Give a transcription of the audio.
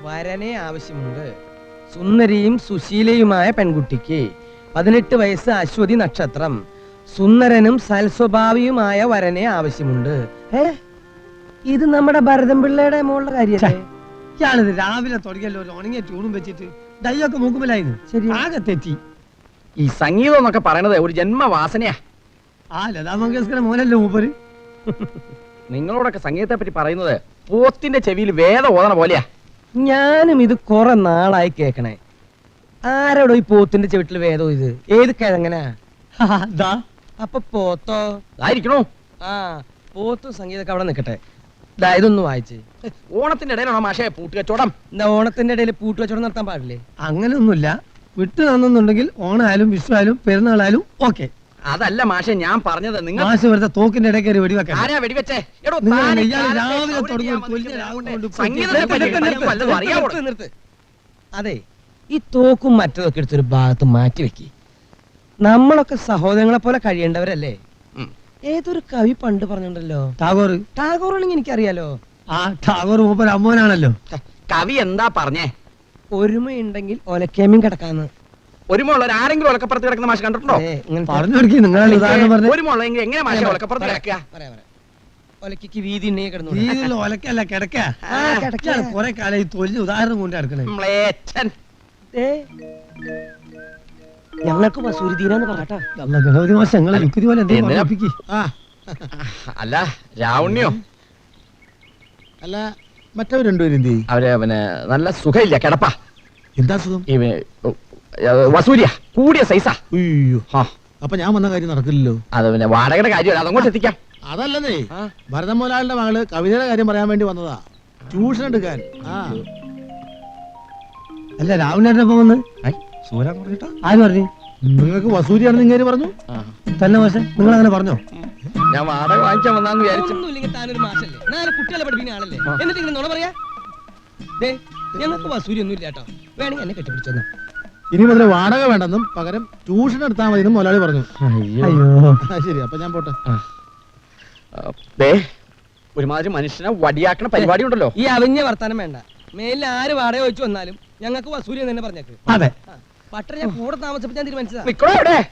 വരനെ ആവശ്യമുണ്ട്. സുന്ദരിയും സുശീലയുമായ പെൺകുട്ടിക്ക് 18 വയസ്സ്, അശ്വതി നക്ഷത്രം, സുന്ദരനും സൽസ്വഭാവിയുമായ വരനെ ആവശ്യമുണ്ട്. ഇത് നമ്മുടെ ഭരതൻ പിള്ളയുടെ മോളുടെ കാര്യല്ലേ? ഇയാളിത് രാവിലെ തുടങ്ങിയല്ലോ ഒരു ഉണങ്ങിയ ട്യൂണും വെച്ചിട്ട് ഡൈയൊക്കെ മൂക്കുമ്പോലായിരുന്നു. ശരി, ആകെ തെറ്റി. ഈ സംഗീതം എന്നൊക്കെ പറയണത് ഒരു ജന്മവാസനയാ. ആ ലതാ മങ്കേഷ്കറെ മോനല്ലോ മൂപ്പര്. നിങ്ങളോടൊക്കെ സംഗീതത്തെ പറ്റി പറയുന്നത് പോത്തിന്റെ ചെവിയിൽ വേദം ഓതണ പോലെയാ. ഞാനും ഇത് കുറെ നാളായി കേക്കണേ. ആരോടോ ഈ പോത്തിന്റെ ചെവിട്ടില് വേദോ? ഇത് ഏത് കിഴങ്ങനാ? അപ്പൊ പോത്തോ ആയിരിക്കണോ? ആ, പോത്തും സംഗീതൊക്കെ അവിടെ നിക്കട്ടെ. ഇതൊന്ന് വായിച്ച്. ഓണത്തിന്റെ ഇടയിലാണോ മാഷേ പൂട്ട് കച്ചവടം? എന്താ ഓണത്തിന്റെ ഇടയിൽ പൂട്ട് കച്ചവടം നടത്താൻ പാടില്ലേ? അങ്ങനെയൊന്നുമില്ല. വിട്ടു തന്നുണ്ടെങ്കിൽ ഓണായാലും വിഷു ആയാലും പെരുന്നാളായാലും ഓക്കെ. അതല്ല മാഷെ ഞാൻ പറഞ്ഞത്. നിങ്ങൾ മാഷ് വെറുതെ തോക്കിന്റെ ഇടയ്ക്ക് കയറി വെടിവെക്കാൻ. ആരാ വെടിവെച്ചേ? എടോ, നിങ്ങൾ താൻ ഈ ഇയാൾ കാലത്തെ രാവിലെ സൗകര്യം തുടങ്ങി വന്നിട്ട് കൊല്ലിയ രാവും കൊണ്ട് സംഗീതത്തെ പറ്റി നിങ്ങൾക്ക് വല്ലതും അറിയാമോ? അതെ, ഈ തോക്കും മറ്റതൊക്കെ എടുത്തൊരു ഭാഗത്ത് മാറ്റി വെക്കി. നമ്മളൊക്കെ സഹോദരങ്ങളെ പോലെ കഴിയേണ്ടവരല്ലേ? ഏതൊരു കവി പണ്ട് പറഞ്ഞിട്ടുണ്ടല്ലോ, ടാഗോർ. ടാഗോറാണെങ്കിൽ എനിക്കറിയാലോ. ആ ടാഗോർ മൂപ്പർ അമ്മോനാണല്ലോ. കവി എന്താ പറഞ്ഞേ? ഒരുമയുണ്ടെങ്കിൽ ഒലക്കേമ്യം കിടക്കാന്ന്. ഒരുമുള്ള ആരെങ്കിലും ഒലക്കപ്പുറത്ത് കിടക്കുന്ന മാഷ് കണ്ടിട്ടുണ്ടോ? പറഞ്ഞു കൊടുക്കി. നിങ്ങളാണ് ഉദാഹരണം പറഞ്ഞത്. ഒരുമുള്ളെങ്കിൽ എങ്ങനെ മാഷ ഒലക്കപ്പുറത്ത് കിടക്കുക? ഒലക്ക് വീതി ഉണ്ടെങ്കിൽ കിടന്നു. രീതിയിൽ ഒലക്കല്ല കിടക്ക. കുറെ കാലം ഈ തൊല്ല് ഉദാഹരണം കൊണ്ട് കിടക്കണേ. ഞങ്ങൾക്ക് വസൂരി തീരാന്ന് പറട്ടാ. ഗണപതി മാസം ഞങ്ങളെ യുക്തി പോലെ അല്ല രാവണ്യോ അല്ല മറ്റവർ രണ്ടുപേരും എന്ത് ചെയ്യും? അവര് പിന്നെ നല്ല സുഖമില്ല, കിടപ്പാ. എന്താ സുഖം? വസൂരിയ കൂടിയ സൈസാ. അയ്യോ, അപ്പൊ ഞാൻ വന്ന കാര്യം നടക്കില്ലല്ലോ. അത് പിന്നെ വാടകയുടെ കാര്യമല്ല, അതങ്ങോട്ട് എത്തിക്കാം. അതല്ലേ, ഭരതൻ മുതലാളിയുടെ മകള് കവിതയുടെ കാര്യം പറയാൻ വേണ്ടി വന്നതാ, ട്യൂഷൻ എടുക്കാൻ. അല്ല രാവിലെ വന്ന് ആര് പറഞ്ഞു? നിങ്ങൾക്ക് വസൂരിയാണെന്ന് ഇങ്ങനെ പറഞ്ഞു തന്നെ മാഷെ? നിങ്ങൾ അങ്ങനെ പറഞ്ഞോ? ഞാൻ വാടക വാങ്ങിക്കാൻ വന്നാന്ന് വിചാരിച്ചു. താനൊരു മാഷല്ലേ, നാല് കുട്ടികളെ പഠിപ്പിക്കുന്ന ആളല്ലേ, എന്നിട്ട് ഇങ്ങനെ നുണ പറയാ? ഞങ്ങൾക്ക് വസൂരി ഒന്നും ഇല്ല കേട്ടോ. വേണമെങ്കിൽ എന്നെ കെട്ടിപ്പിടിച്ചോന്നാ. ഇനി മുതൽ വാടക വേണ്ടെന്നും പകരം ട്യൂഷൻ എടുത്താൽ മതി എന്നും മുതലാളി പറഞ്ഞു. ശരി, അപ്പൊ ഞാൻ പോട്ടെ. ഒരുമാതിരി മനുഷ്യനെ വടിയാക്കണ പരിപാടി ഉണ്ടല്ലോ. ഈ അവിഞ്ഞ വർത്താനം വേണ്ട. മേലിൽ ആര് വാടക വെച്ച് വന്നാലും ഞങ്ങൾക്ക് വസൂരി എന്ന് തന്നെ പറഞ്ഞേക്ക്. അതെ, പട്ടര ഞാൻ കൂടെ താമസിപ്പിച്ചാൻ തീരുമാനിച്ചതാ. നിക്കണോ ഇവിടെ?